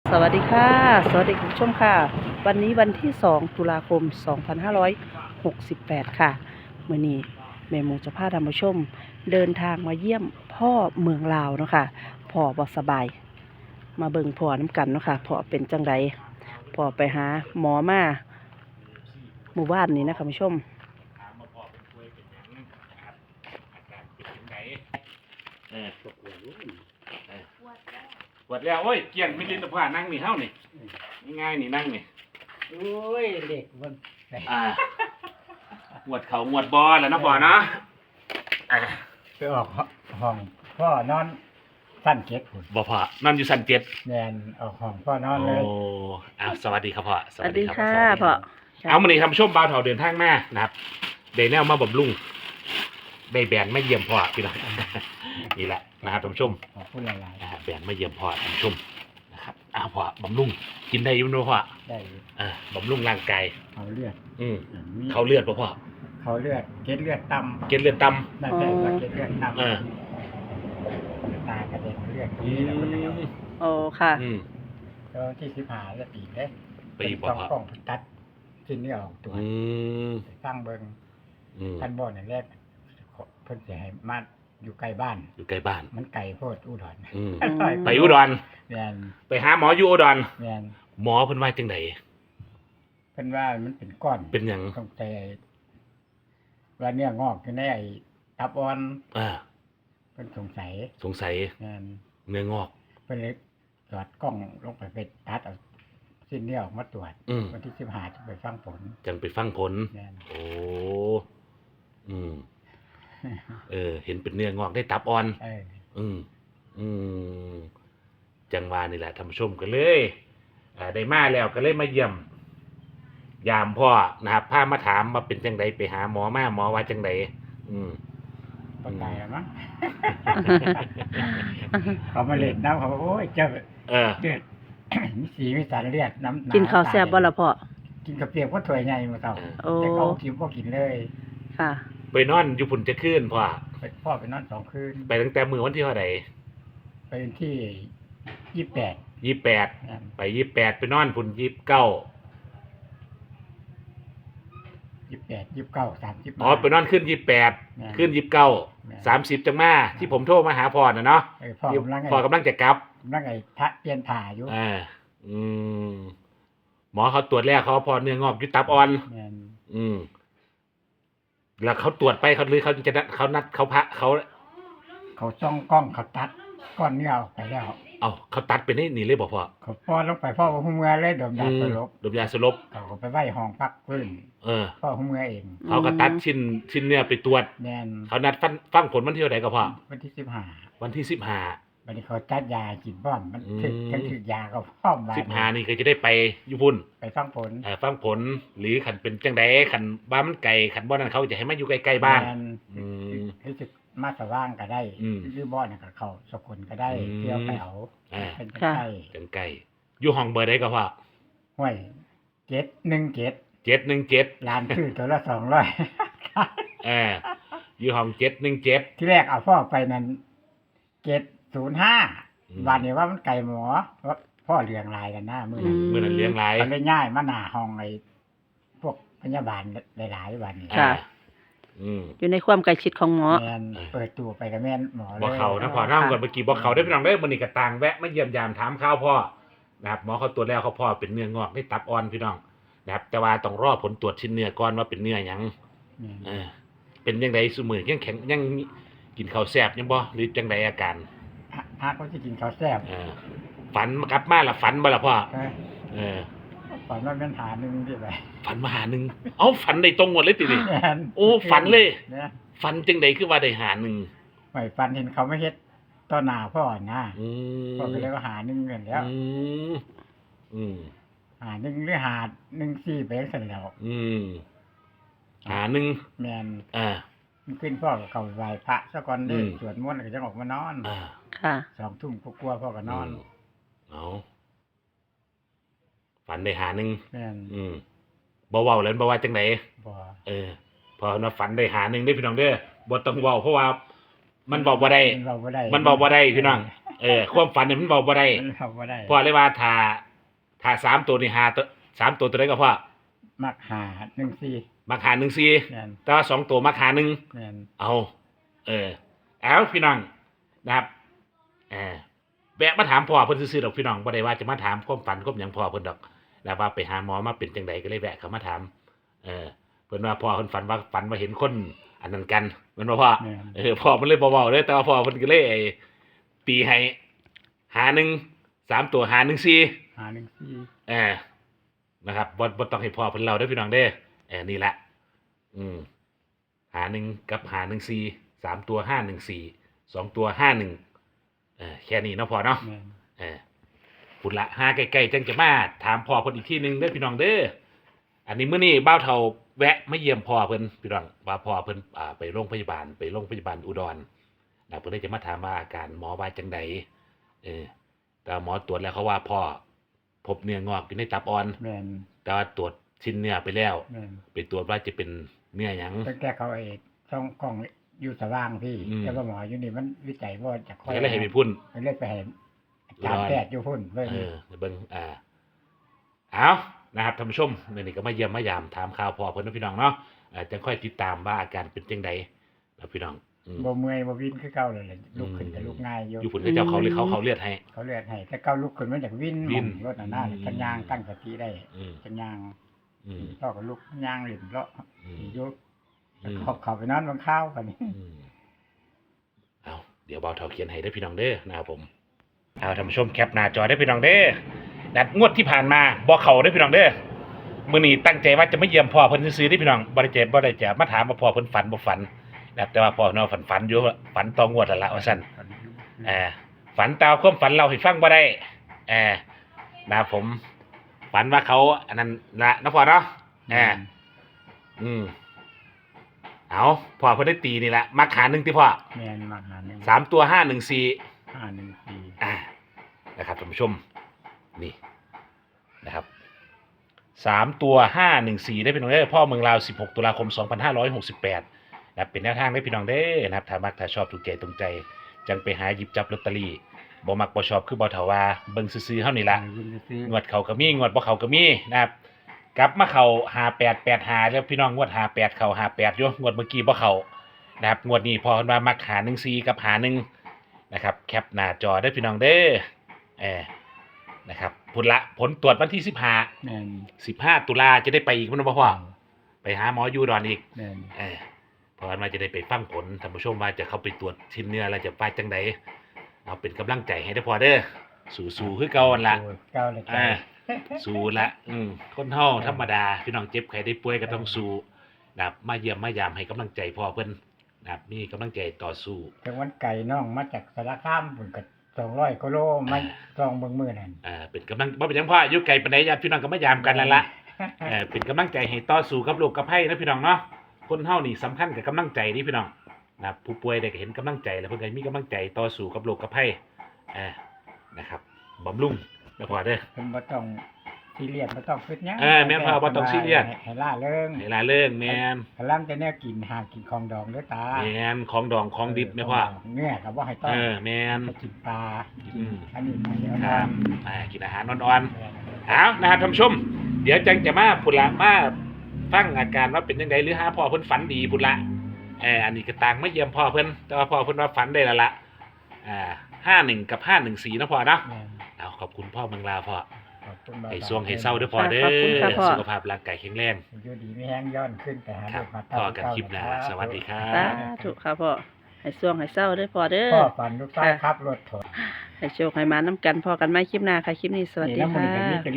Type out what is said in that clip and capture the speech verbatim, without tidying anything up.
สวัสดีค่ะสวัสดีคุณผู้ชมค่ะวันนี้วันที่สองตุลาคมสองพันห้าร้อยหกสิบแปดค่ะมื้อนี้แม่หมูจะพาท่านผู้ชมเดินทางมาเยี่ยมพ่อเมืองลาวเนาะค่ะพ่อบ่สบายมาเบิ่งพ่อน้ำกันเนาะค่ะพ่อเป็นจังไดพ่อไปหาหมอมาหมู่บ้านนี้นะคุณผู้ชมถามมาพอเป็นป่วยเป็นหยังนะครับอาการเป็นยังไงเออปวดหัวเออปวดแล้วโอ้ยเกี่ยงไม่ลิ้นตะผ่านั่งนี่เท่านี่ง่ายๆนี่นั่งนี่โอ้ยเด็กมันอ่าหวดเขาหวดบอแล้วนะพ่อเนาะอ่าไปออกห้องพ่อนอนสั้นเก็บหุ่นบ่พ่อนอนอยู่สันเจ็ดแนนออกห้องพ่อนอนเลยโอ้อ้าวสวัสดีครับพ่อสวัสดีค่ะสวัสดีพ่อครับเอามานี่ทำช่วงบ่าวเถาเดินทางมานะครับเดนแนวมาบำรุงได้แบนไม่เยี่ยมพ่อพี่น้อง นี่แหละนะครับท่านผู้ชมขอพูดหลายนะฮะแบนไม่เยี่ยมพ่อท่านผู้ชมนะครับอ้าวพ่อบำรุงกินได้อยุ่งด้วยพ่อๆได้อยู่อ่าบำรุงร่างกายเขาเลือดอืมมีเขาเลือดป่ะพ่อเขาเลือดเกล็ดเลือดต่เกล็ดเลือดต่ำนั่นแหละว่าเกล็ดเลือดต่ำเออตากระเด็นเลือดำอืนี่แล้วก็จะมโอ้ค่ะอืมแล้วที่สิบหาจะปีเลยปีบ่ต้องพ่อต้องตัดชิ้นนี้ออกตัวอืมไปสร้างเบิงอืมท่านบ่อนี่แรกเพิ่นจะให้มาอยู่ใกล้บ้านอยู่ใกล้บ้านมันไกลโพดอุดรอืมอืมไปอุดรแม่นไปหาหมออยู่อุดรแม่นหมอเพิ่นว่าจังไดเพิ่นว่ามันเป็นก้อนเป็นหยังต้องใจว่าเนื้องอกอยู่ในไอ้ตับอ่อนอ่าเพิ่นสงสัยสงสัยแม่นเนื้องอกเพิ่นเลยจอดกล้องลงไปไปตัดเอาสิ้นเนื้อออกมาตรวจอืมวันที่สิบห้าจะไปฟังผลจังไปฟังผลแม่นโอ้อืมเออ เห็นเป็นเนื้องอกได้ตับอ่อนเอออืม อืม จังหวานี่แหละท่านผู้ชมก็เลยอ่าได้มาแล้วก็เลยมาเยี่ยม ยามพ่อนะครับพามาถามมาเป็นจังไดไปหาหมอมาหมอว่าจังไดอืมบ่ตายแล้วมั้ง เขามาเล่นน้ำเขาบอกโอ้ยเจ้าเออเลือด มีสีมีสารเลือดน้ำหกินข้าวแซ่บบ่ล่ะพ่อกินกระเปียกว่าถ้วยใหญ่มาเท่าโอ้แต่เขากินบ่กินเลยค่ะไปนอนอยู่พุ่นจะขึ้นพ่อไปพ่อไปนอนสองคืนไปตั้งแต่มือวันที่เท่าไหร่ไปที่ยี่สิบแปดยี่แปดนะไปยี่แปดไปนอนพุ่นยี่เก้ายี่สิบแปดยี่สิบเก้าสามสิบอ๋อไปนอนขึ้นยี่แปดแม่นขึ้นยี่เก้าแม่นสามสิบจังมาที่ผมโทรมาหาพ่อนะเนาะเออพ่อกำลังไงพ่อกำลังจะกลับกำลังไงทะเปลี่ยนผ่าอยู่อ่า อืม หมอเขาตรวจแรกเขาพอเนื้องอกอยุตับอ่อนแม่นอืม แล้วเขาตรวจไปเขาหรือเขาจะนัดเขานัดเขาพระเขาเขาจ้องกล้องเขาตัดก้อนเนื้อออกไปแล้วเอาเขาตัดไปนี่นี่เลยบอกพ่อเขาพ่อลงไปพ่อหัวเมือเลยดมยาสลบดมยาสลบเขาก็ไปไหว้ห้องพักฟื้นเออพ่อหัวเมือเองเขาก็ตัดชิ้นชิ้นเนื้อไปตรวจแม่นเขานัดฟังฟังผลวันที่เท่าไหร่ก็พ่อวันที่สิบห้าวันที่สิบห้าวันนี้เขาจัดยากินบ้อมมันอืมถึกทั้งถึกยาก็พร้อมบาดสิบห้านี่ก็จะได้ไปยุพุ่นไปฟังผลเอ่อฟังผลหรือขันเป็นจังไดขันบ้านมันไก่ขันบ้านนั้นเขาจะให้มาอยู่ใกล้ๆบ้านแม่อืมรู้สึกมาสว่างก็ได้อืมหรือบ้อนนกับเขาสกุลก็ได้อืมเที่ยวไปเอาอ่าเป็นค่ะใกล้จังไก่อยู่ห้องเบอร์ได้ก็พ่อห้วยเจ็ดหนึ่งเจ็ดเจ็ดหนึ่งเจ็ดร้านชื่อตัวละสองร้อยเอออยู่ห้องเจ็ดหนึ่งเจ็ดที่แรกเอาพ่อไปนั้นเจ็ดศูนย์ห้าอืมวันนี้ว่ามันไก่หมอว่าพ่อเลี้ยงลายกันหน้ามืออืนั้นมเมื่อนั้นเลี้ยงไรมันเลยง่ายมาหน้าห้องไอ้พวกพยาบาลหลายๆวันนี้ค่ะอืมอยู่ในความใกล้ชิดของหมอแมนเออเปิดตัวไปกับแม่นหมอเลยบอกเขานะพ่อน้ำก่อนเมื่อกี้บอกเขาได้พี่น้องได้มันนี่กระตางแวะมาเยี่ยมยามถามข้าวพ่อนะครับหมอเขาตรวจแล้วเขาพ่อเป็นเนื้องอกได้ตับอ่อนพี่น้องนะครับแต่ว่าต้องรอผลตรวจชิ้นเนื้อก่อนว่าเป็นเนื้อหยังแม่นเออเป็นยังไงสมือยังแข็งยังกินข้าวแซ่บยังบ่หรือจังไดอาการฮะฮะเขาจะกินข้าวแซ่บเออฝันกลับมาละฝันบ่ล่ะพ่อเออเออฝันว่าเป็นหาหนึ่งที่ไปฝันมาหาหนึ่งเอ้าฝันได้ตรงหมดเลยติดิแม่นโอ้ฝันเลยเนี่ยฝันจังไดคือว่าได้หาหนึ่งไม่ฝันเห็นเขาไม่เฮ็ดต่อหน้าพ่อนะอืมพ่อก็เลยว่าหาหนึ่งเงินแล้วอืมอืมหาหนึ่งหรือหาหนึ่งสี่ไปเสร็จแล้วอืมหาหนึ่งแมนอ่ามันขึ้นพ่อก็เข้าไปไหว้พระซะก่อนเด้อืมสวดมนต์แล้วก็จะออกมานอนอ่าค่ะสองทุ่มกลัวๆพ่อก็นอนมเอาฝันได้หาหนึ่งแมนอืมบ่เว้าแล้วบ่ว่าจังไดบ่เออพอนะฝันได้หาหนึ่งได้พี่น้องเด้อบ่ต้องเว้าเพราะว่ามันบอกบ่ได้มันบอกบ่ได้มันบอกบ่ได้พี่น้องเออความฝันเนี่ยมันบอกบ่ได้มันบอกบ่ได้พ่อเลยว่าถ้าถ้าสามตัวนี่หาตัวสามตัวตัวใดก็พ่อมักหาหนึ่งสี่มาหาหนึ่งสี่แม่นแต่ว่าสองตัวมาหาหนึ่งแม่นเอาเออเอาพี่น้องนะครับเออแวะมาถามพ่อเพิ่นซื่อๆดอกพี่น้องบ่ได้ว่าจะมาถามความฝันความหยังพ่อเพิ่นดอกแล้วว่าไปหาหมอมาเป็นจังไดก็เลยแวะเข้ามาถามเออเพิ่นว่าพ่อเพิ่นฝันว่าฝันว่าเห็นคนอันนั้นกันแมันบ่พ่อแม่นเออพ่อมันเลยบ่เว้าเลยแต่ว่าพ่อเพิ่นก็เลยไอ้ตีให้หาหนึ่งสามตัวหาหนึ่งสี่หาหนึ่งสี่เออนะครับบ่บ่ต้องให้พ่อเพิ่นเล่าเด้อพี่น้องเด้อเออนี่แหละอืมหาหนึ่งกับหาหนึ่งสี่สามตัวห้าหนึ่งสี่สองตัวห้าหนึ่งเออแค่นี้เนาะพ่อเนาะแม่นเออพุ่นละห้าใกล้ๆจังจะมาถามพ่อเพิ่นอีกทีหนึงเด้อพี่น้องเด้ออันนี้มื้อนี้บ้าวเฒ่าแวะมาเยี่ยมพ่อเพิ่นพี่น้องว่าพ่อเพิ่นอ่าไปโรงพยาบาลไปโรงพยาบาลอุดรนะเพิ่นเลยจะมาถามว่าอาการหมอว่าจังไดเออแต่หมอตรวจแล้วเขาว่าพ่อพบเนื้องอกอยู่ในตับอ่อนแม่นแต่ว่าตรวจชิ้นเนื้อไปแล้วแม่นไปตรวจว่าจะเป็นเนื้อหยังตั้งแต่เขาไอ้ช่องกล้องอยู่สว่างพี่อืมแต่ว่าหมออยู่นี่มันวิจัยว่าจะค่อยก็เลยให้ไปพุ่นก็เลยไปเห็นอาจารย์แพทย์อยู่พุ่นเพิ่นเออเบิ่งอ่าเอานะครับท่านผู้ชมมื้อนี้ก็มาเยี่ยมมายามถามข่าวพ่อเพิ่นเนาะพี่น้องเนาะอ่าจังค่อยติดตามว่าอาการเป็นจังไดนะพี่น้องอืมบ่เมื่อยบ่วินคือเก่าเลยแหละลุกขึ้นก็ลุกง่ายอยู่อยู่พุ่นก็เจ้าเขาเลยเขาเขาเลือดให้เขาเลือดให้แต่เก่าลุกขึ้นมันจากวินวินรถน่ะหน้าอืมกันยางตั้งสติได้อืมกันยางอืมพ่อก็ลุกยางหลินเลาะอืมอยู่อืมเขาเขาไปนอนบนข้าวกันนี่อืมเอาเดี๋ยวเบาเท่าเขียนให้ได้อพี่น้องเด้อนะครับผมเอาท่านผู้ชมแคปหน้าจอได้อพี่น้องเด้อนัดงวดที่ผ่านมาบ่เข้าได้อพี่น้องเด้อมื้อนี้ตั้งใจว่าจะมาเยี่ยมพ่อเพิ่นซื้อๆได้อพี่น้องบ่ได้เจ็บบ่ได้จะมาถามว่าพ่อเพิ่นฝันบ่ฝันนะครับแต่ว่าพ่อเนาะฝันฝันอยู่ว่าฝันต่องวดแล้วล่ะว่าซั่นเอ่าฝันตามความฝันเราให้ฟังบ่ได้เอ่านะครับผมฝันว่าเขาอันนั้นละเนาะพ่อเนาะเอ่าอืมเอาพ่อเพิ่นได้ตีนี่ละมาขาหนึงติพ่อแม่นมาหาหนึ่งสามตัวห้าหนึ่งสี่ห้าหนึ่งสี่อ่านะครับท่านผู้ชมนี่นะครับสามตัวห้าหนึ่งสี่ได้พี่น้องได้อพ่อเมืองลาวสิบหกตุลาคมสองพันห้าร้อยหกสิบแปดนะครับเป็นแนวทางได้พี่น้องได้อนะครับถ้ามักถ้าชอบถูกใจตรงใจ จังไปหาหยิบจับลอตเตอรี่บ่มักบ่ชอบคือบ่เถาว่าเบิ่งซื่อๆเฮานี่ล่ะวินซื้องวดเขาก็มีงวดบ่เขาก็มีนะครับกลับมาเข้าห้าแปดแปดห้าแล้วพี่น้องงวดห้าแปดเข้าห้าแปดอยู่งวดเมื่อกี้บ่เข้านะครับงวดนี้พอเพิ่นว่ามักหาหนึ่งสี่กับหาหนึ่งนะครับแคปหน้าจอได้อพี่น้องเด้อเออนะครับผลละผลตรวจวันที่สิบห้าแม่นสิบห้าตุลาจะได้ไปอีกมันบ่พ่อไปหาหมออยู่ดอนอีกแม่นเออเพราะว่าจะได้ไปฟังผลท่านผู้ชมว่าจะเข้าไปตรวจชิ้นเนื้อแล้วจะไปจังไดเอาเป็นกำลังใจให้ได้อพอเด้อสู้ๆคือเก่าหั่นล่ะโอ้ยเก้าเลยอ่าเก้าสู้ละอืมคนเฮาธรรมดาพี่น้องเจ็บใครได้ป่วยก็ต้องสู้นะครับมาเยี่ยมมายามให้กำลังใจพ่อเพิ่นนะครับมีกำลังใจต่อสู้ถึงวันไก่น้องมาจากสารคามพุ่นก็สองร้อยกิโลมาลองเบิ่งมื้อนั่นอ่าเป็นกำลังบ่เป็นหยังพ่ออยู่ไกลปานใดญาติพี่น้องก็มายามกันแล้วล่ะเออเป็นกำลังใจให้ต่อสู้กับโรคกับภัยนะพี่น้องเนาะคนเฮานี่สำคัญกับกำลังใจนี่พี่น้องนะครับผู้ป่วยได้ก็เห็นกำลังใจแล้วเพิ่นก็มีกำลังใจต่อสู้กับโรคกับภัยอ่านะครับบำรุงนะพ่อเด้อเพิ่นบ่ต้องซีเรียสบ่ต้องคิดหยังเออแม่นพ่อบ่ต้องซีเรียสให้ให้ล่าเริงเวลาเรื่องแม่นกำลังจะแนวกินหากินของดองเด้อตาแม่นของดองของดิบแม่พ่อเนื้อก็บ่ให้ต้อเอง อแม่นไปกินปลาอืมอันนี้เดี๋ยวคนะรับอ่ากินอาหารอ่อนๆเอานะครับท่านผู้ชม เดี๋ยวจังจะมาพุ่นละมาฟังอาการว่าเป็นยังไงหรือหาพ่อเพิ่นฝันดีพุ่นละเอออันนี้ก็ต่างมาเยี่ยมพ่อเพิ่นแต่ว่าพ่อเพิ่นว่าฝันได้แล้วล่ะอ่าห้าหนึ่งกับห้าหนึ่งสี่นะพ่อเนาะแม่นเอาขอบคุณพ่อเมืองลาวพ่อขอบคุณบ่าวให้ช่วงให้เศร้าเด้อพ่อเด้ขอบคุณค่ะพ่ออสุขภาพร่างกายแข็งแรงอยู่ดีไม่แห้งย้อนขึ้นแต่หาครับเด็กมาพ่อกันคลิปหน้าสวัสดีครัสาบธุค่ะพ่อให้ช่วงให้เศร้าเด้อพ่อเด้อพ่อฝันลูกชายขับรถถอยให้โชคให้มาน้ำกันพอกันไหมคลิปหน้าค่ะ คลิปนี้สวัสดีนี่น้ำมันค่ะก็มี